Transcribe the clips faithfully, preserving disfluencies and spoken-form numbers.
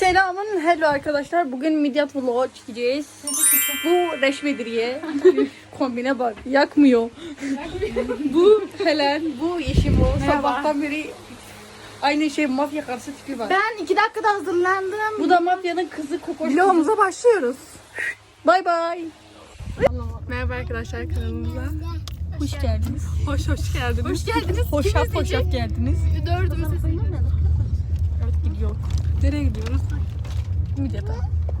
Selamın hello arkadaşlar. Bugün Midyat vlog çekeceğiz. Bu Reşvediriye. Kombine bak. Yakmıyor. Bu Helen. Bu Yeşim o. Sabahtan beri aynı şey mafya karısı tipi var. Ben iki dakikada hazırlandım. Bu da mafyanın kızı Kokoş. Vlogumuza başlıyoruz. Bay bay. Merhaba arkadaşlar kanalımıza. Hoş geldiniz. Hoş hoş geldiniz. Hoş geldiniz. Hoşaf hoşaf geldiniz. Dördümüz Evet gidiyor. nereye gidiyoruz? Midyat'a.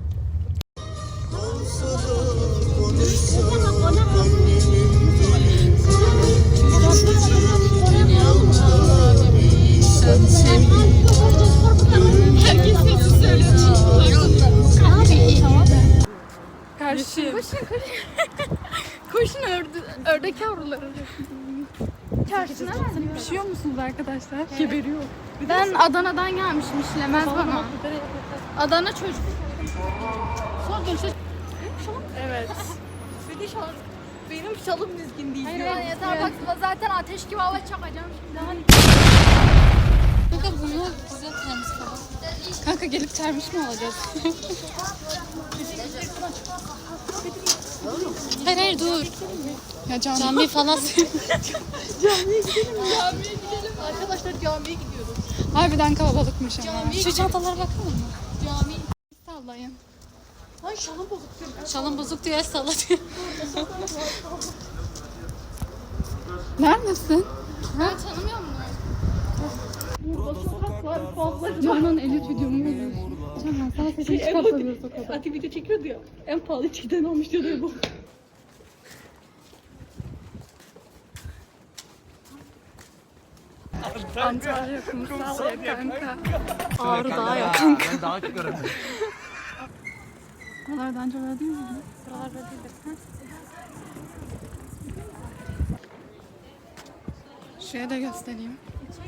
Karşı. Koşun koşun. Koşun ördü, ördek yavruları. Çarşısına mı? Pişiyor musunuz arkadaşlar? Evet. Geberiyor. Ben Adana'dan gelmişim, işlemez bana. Adana çocuk. Son dönüşe... Evet. Benim şalım, benim şalım dizgin değil. Hayır ya yeter bak zaten ateş gibi hava çakacağım şimdi. Hani. Kanka bunu bize termiş falan. Kanka gelip termiş mi alacağız? hayır hayır dur. Ya cami, cami falan. Camiye gidelim. Camiye gidelim. Arkadaşlar camiye gidiyoruz. Harbiden kalabalıkmış ama. Camiye Şu çantalara bakar mı? Cami. Sallayın. Ay şalım bozuk diyor. Şalım bozuk diyor, el salla diyor. Neredesin? Ben tanımıyor musun? Burada sokaklar fazla. Canan elit videomu buluyor. Canan sana sesini çıkartamıyoruz o kadar. Ati video çekiyordu ya. En pahalı içkiden almış diyordu bu. Antalya kumsal ya kanka. Ağrı Dağı ya kanka. Ben daha çok göremedim. Buralardan önce böyle değil mi? Buralar böyle değil. Şuraya da göstereyim.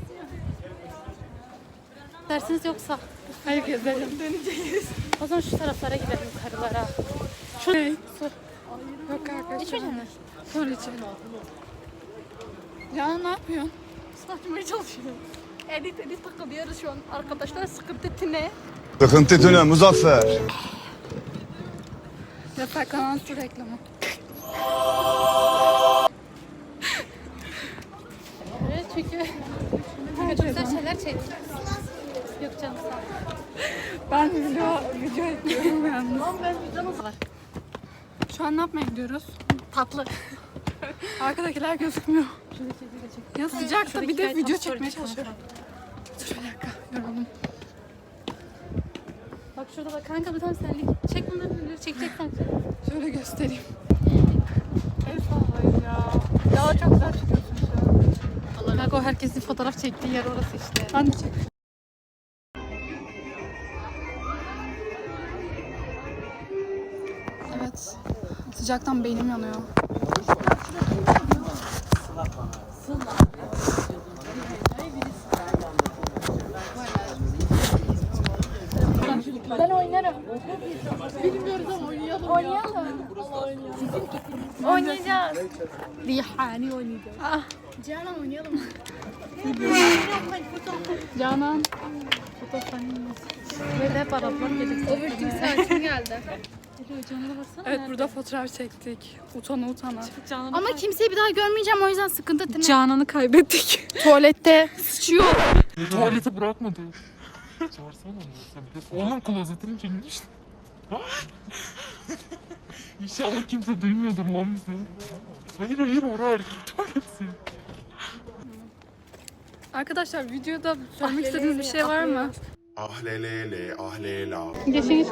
Dersiniz yoksa? Hayır gezelim. Döneceğiz. O zaman şu taraflara gidelim, yukarılara. Şu ne? Yok arkadaşlar. İçmeyecek misin? Sonra içelim. Canan ne yapıyorsun? Saçmaya çalışıyorum. Edit edit takılıyoruz şu an. Arkadaşlar sıkıntı ne? Sıkıntı tüne Muzaffer. Yasak kanal su reklamı. Evet çünkü çok güzel şeyler çektik. Yok canım sağ ol. Ben video, video ekliyorum yalnız. Lan ben vicdanım. Şu an ne yapmaya gidiyoruz? Tatlı. Arkadakiler gözükmüyor. Ya sıcakta Şuradaki bir de kayıt video story çekmeye çekelim. çalışıyorum. Dur bir dakika yoruldum. Bak şurada da kanka bir tane senlik. Çek bunları bunları çekeceksen. Şöyle göstereyim. El sallayın ya. Ya çok güzel çıkıyorsun şu an. Bak o herkesin fotoğraf çektiği yer orası işte. Ben de çek. Evet. Sıcaktan beynim yanıyor. Ben oynarım. Bilmiyoruz ama oynayalım. Oynayalım. Oynayacağız. Rihani oynayacağız. Ah. Canan oynayalım. Canan. Böyle hep Araplar gelecek. Overthink saatin geldi. Canan'a baksana. Evet burada fotoğraf çektik. Utana utana. Canan'a Ama kimseyi bir daha görmeyeceğim o yüzden sıkıntı değil. Canan'ı kaybettik. Tuvalette sıçıyor. Tuvalete bırakmadı. Çağırsana onu. Sen bir de oğlum klozetini çekmiş. İnşallah kimse duymuyordur lan bizi. Hayır hayır oraya erkek tuvaleti. Arkadaşlar videoda söylemek istediğiniz bir şey var mı? Ah lelele ah lela. Geçin geç.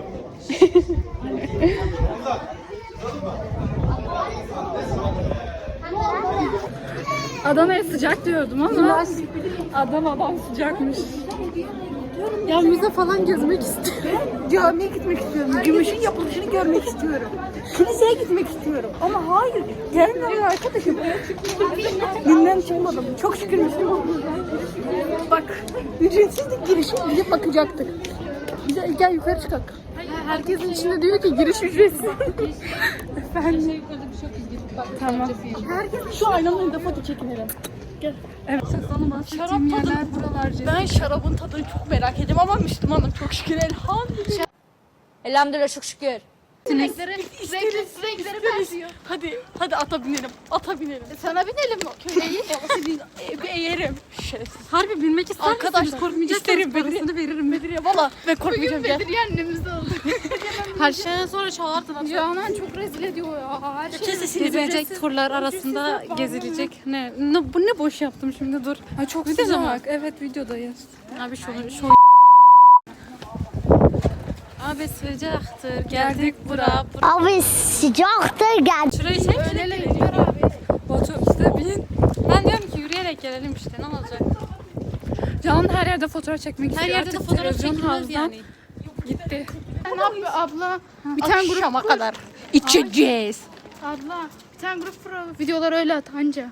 Adana'ya sıcak diyordum ama Adana'dan sıcakmış. Ya müze falan gezmek istiyorum. Camiye gitmek istiyorum. Gümüşün yapılışını görmek istiyorum. Kiliseye gitmek istiyorum. Ama hayır. Gelmiyorum arkadaşım. Günden çıkmadım. Çok şükür Müslüman oldum. Bak. Ücretsizlik girişi gidip bakacaktık. Gel, gel yukarı çıkak. Herkesin içinde diyor ki giriş ücretsiz. Efendim. Şey yukarıda bir şey yok. Tamam. Herkes şu aynanın önünde foto çekinelim. Gel. Evet. Şarap tadı. Ben şarabın tadını çok merak ediyorum ama Müslümanım çok şükür elhamdülillah. Elhamdülillah çok şükür. Sinekleri, renkli sinekleri benziyor. Hadi hadi ata binelim. Ata binelim. Sana binelim mi? Köleyi. Bir eğerim. Şerefsiz. Harbi bilmek ister Arkadaşlar, misiniz? Korkmayacaksanız isterim, parasını veririm. Bedriye valla ben Bugün korkmayacağım gel. Bedriye annemizde olduk. Her şeyden sonra çağırdın. Canan çok rezil ediyor ya. Her şey. Gezilecek turlar arasında gezilecek. Ne, ne bu ne boş yaptım şimdi dur. Ay çok Video sıcak. mu? Evet videodayız. Abi şunu şu Abi sıcaktır. Geldik bura. bura. Abi sıcaktır gel. Şurayı çek. Otobüste bin. Ben diyorum ki yürüyerek gelelim işte ne olacak? Canan her yerde fotoğraf çekmek Her istiyor. yerde de Artık fotoğraf televizyon çekilmez havuzdan yani. Gitti. Ne yapıyor abla? Bir tane grup Akşama kadar içeceğiz. abla. Bir tane grup pro videoları öyle at anca.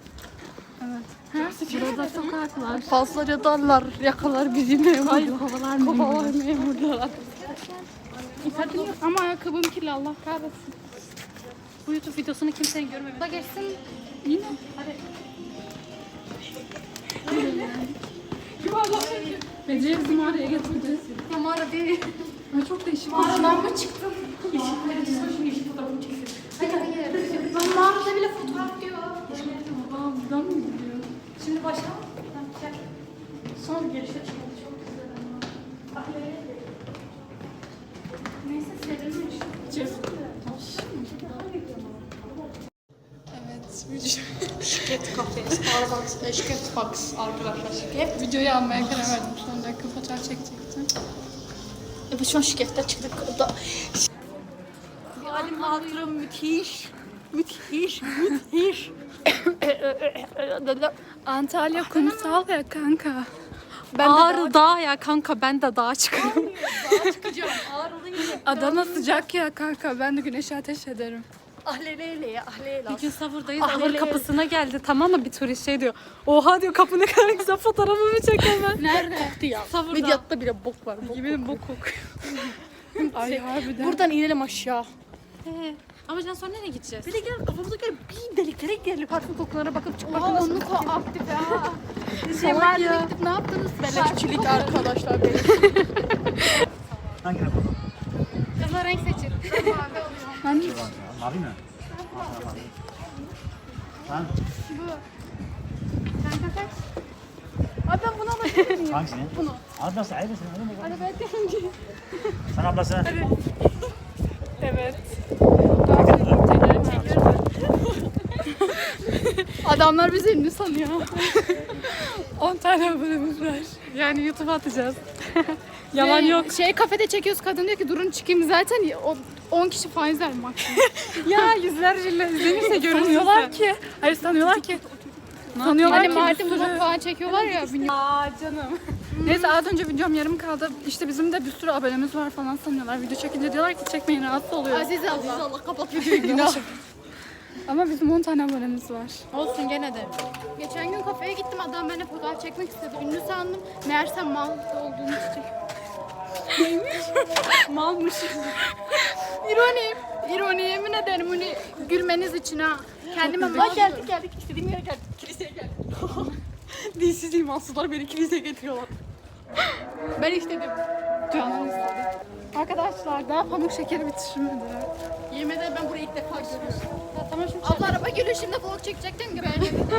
Burada sokaklar. Fazlaca darlar, yakalar bizi memur. Kovalar Kovalar memurlar. Ama ayakkabım kirli Allah kahretsin. Bu YouTube videosunu kimsenin görmemiş. Da geçsin. Yine. Hadi. Bedriye bizi mağaraya getirdi. Ya mağara değil. Ay çok değişik. Mağaradan mı çıktın? Hayır hayır. Ben mağarada bile fotoğraf diyor. Aa buradan mı gidiyor? Şimdi başla. Son girişe çıkmadı. Çok güzel ama. Neyse serilmiş. Şirket kafe, Starbucks, Şirket Box arkadaşlar. Hep videoyu almaya karar verdim. Son dakika fotoğraf çekecektim. Evet şu an şirkette çıktık. O da... Yani hatırım müthiş. Müthiş, müthiş. Antalya kumsal ya kanka. Ben de Ağrı dağ ya kanka ben de dağa çıkıyorum. Adana sıcak ya kanka. Ben de güneşe ateş ederim. Ahleleyle ya ahleleyle. Bir gün Savur'dayız. Ah, Ahır hele. kapısına geldi tamam mı bir turist şey diyor. Oha diyor kapı ne kadar güzel fotoğrafımı çek hemen. Nerede? Koktu ya. Savur'da. Medyatta bile bok var. Bok. Yemin bok kokuyor. Ay harbiden. Buradan inelim aşağı. Ee, ama can sonra nereye gideceğiz? Bir de gel kafamıza göre bir deliklere gidelim. Parfüm kokularına bakıp çıkmak Oha nasıl? onluk o aktif ya. Şey Salak mahalleye ya. gidip ne yaptınız? Beleşçilik arkadaşlar benim. Kızlar renk seçin. Ben Mavi mi? Kanka kaç? Abi ben bunu alabilir miyim? Hangisini? Bunu. Ablası ayrısın. Hadi ben deyince. Sen ablası. Evet. Adamlar bizi ünlü sanıyor. on tane abonemiz var. Yani YouTube'a atacağız. Yalan yok. Şey kafede çekiyoruz kadın diyor ki durun çıkayım zaten o on kişi faiz ver maksimum. Ya yüzlerce izlenirse görünüyorlar Sanıyorlar ki. Hayır sanıyorlar ki. Sanıyorlar Hani ki Mardin bir vlog sürü. falan çekiyorlar ya. Aa canım. Neyse az önce videom yarım kaldı. İşte bizim de bir sürü abonemiz var falan sanıyorlar. Video çekince diyorlar ki çekmeyin rahatsız oluyor. Aziz Allah. Allah kapat videoyu günah. Ama bizim on tane abonemiz var. Olsun gene de. Geçen gün kafeye gittim adam benimle fotoğraf çekmek istedi. Ünlü sandım. Meğerse mal olduğunu çiçek. Malmış. İroni. İroni yemin ederim bunu gülmeniz için ha. Kendime mal Bak geldik geldik istediğim yere geldik. Kiliseye geldik. Dilsiz imansızlar beni kiliseye getiriyorlar. Ben istedim. Canan istedi. Arkadaşlar daha pamuk şekeri bitirmedi. Yemin ederim ben burayı ilk defa görüyorum. Tamam şimdi Abla araba gülüyor şimdi vlog çekecektim gibi.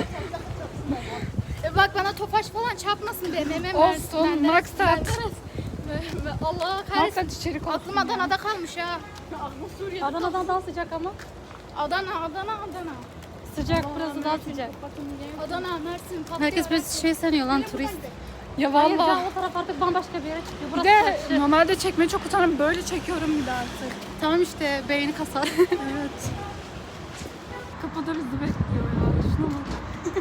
e bak bana topaş falan çarpmasın diye meme Olsun, maksat. Allah kahretsin. Maksat içerik olsun. Aklım Adana'da kalmış ha. Adana'dan daha sıcak ama. Adana, Adana, Adana. Sıcak burası daha sıcak. Adana, Mersin, Patlıcan. Herkes böyle şey sanıyor lan turist. Ya Hayır valla. can o taraf artık bambaşka bir yere çıkıyor. Bir Burası de taşı. normalde çekmeye çok utanırım. Böyle çekiyorum bir de artık. Tamam işte beyni kasar. Evet. Kapıda bizi bekliyor ya. Şuna bak.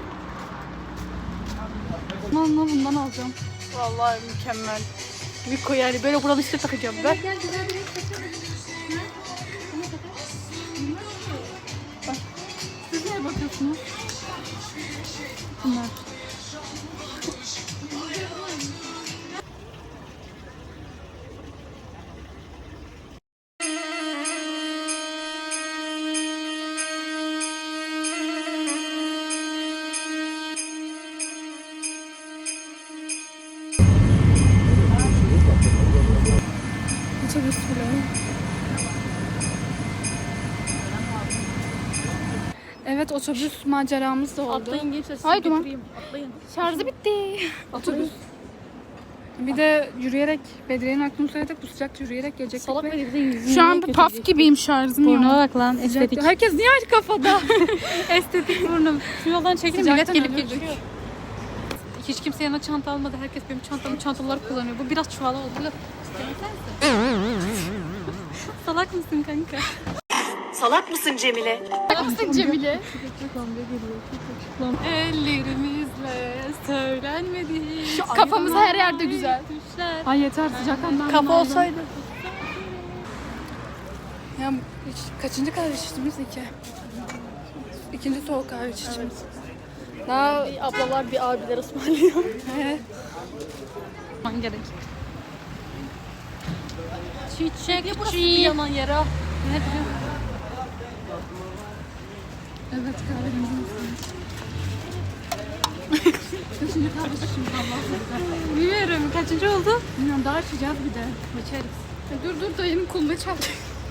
Bundan, bundan alacağım. Vallahi mükemmel. Miko yani böyle buranın üstüne takacağım ben. Gel güzel bir renk seçelim. Siz neye bakıyorsunuz? Bunlar. bile. Evet, otobüs maceramız da oldu. Atlayın gençler. sizi Haydi lan. götüreyim. Atlayın. Şarjı bitti. Otobüs. Bir de yürüyerek, Bedriye'nin aklını söyledik, bu sıcakta yürüyerek gelecektik. Salak ve- beni bir de yüzünü Şu an bu paf gibiyim, şarjım yok. Burnuma bak lan estetik. Sıcakta. Herkes niye aç kafada? Estetik burnum. Şu yoldan çekince millet Sıcaktan gelip ölürdük. geçiyor. Hiç kimse yanına çanta almadı. Herkes benim çantamı çantalar kullanıyor. Bu biraz çuvala oldu. Biraz Salak mısın kanka? Salak mısın Cemile? Ellerimizle söylenmedi. Kafamız her yerde güzel. Düşler. Ay yeter, sıcaktan ben Kafa bunaldım. olsaydı. Ya hiç, kaçıncı kahve içtiğimiz? İki. İkinci soğuk kahve içtiğimiz. Daha Bir ablalar bir abiler ısmarlıyor. he, Man gerek. Çiçekçi. Yanan yara. Ne diyor? evet kahvemizi içtik. Kaçıncı kahve içtiğimiz Allah'ım. Bilmiyorum. Kaçıncı oldu? Bilmiyorum, daha içeceğiz bir de. İçeriz. Ya dur dur, dayının kolunu çalacak.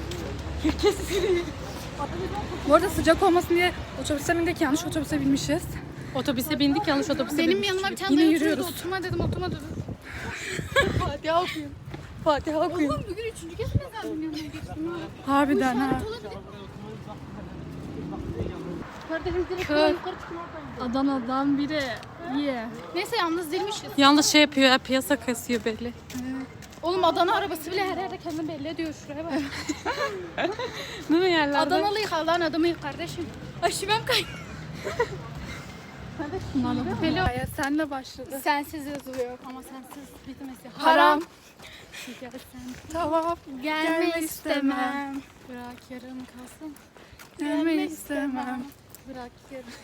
Bu arada sıcak olmasın diye otobüse bindik, yanlış otobüse binmişiz. Otobüse bindik, yanlış otobüse Benim bindik. yanıma bir tane Yine dayı yürüyoruz. oturuyordu, oturma dedim, oturma dedim. Fatiha okuyun. Fatiha okuyun. Oğlum bugün üçüncü kez mi ben yanına geçtim? Harbiden ha. Kardeşim direkt Kör. yukarı çıkın oradan. Adana'dan biri. Yeah. Neyse yalnız değilmişiz. Yalnız şey yapıyor ya, piyasa kasıyor belli. Oğlum Adana arabası bile her yerde kendini belli ediyor, şuraya bak. Değil mi yerlerde? Adanalıyız, Allah'ın adamıyız kardeşim. Ay şivem kay. Hello. Hayat senle başladı. Sensiz yazılıyor ama sensiz bitmesi haram. Gelsen Tamam. Gelme Gelme istemem. istemem. bırak yarım kalsın. Gelme istemem. Bırak yarım.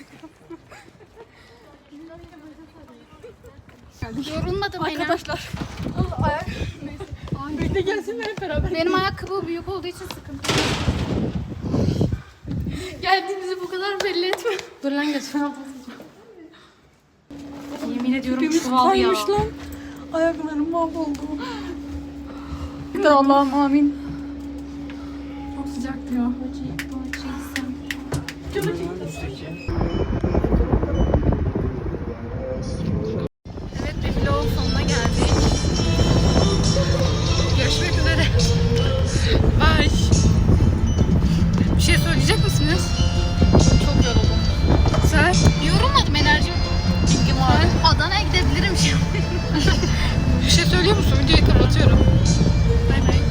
Yorulmadım Arkadaşlar. Birlikte gelsinler hep beraber. Benim ayakkabı büyük olduğu için sıkıntı. Geldiğimizi bu kadar belli etme. Dur lan geçen Yemin ediyorum çuval ya. Kaymış lan. Ayaklarım mahvoldu. Bir de Allah'ım amin. Çok sıcak diyor. Evet, bir vlogun sonuna geldik. Görüşmek üzere. Bye. Bir şey söyleyecek misiniz? Çok yoruldum. Sen? Yorulmadım, enerjim. Bilgim var. Adana'ya gidebilirim şimdi. Bir şey söylüyor musun? Videoyu kapatıyorum.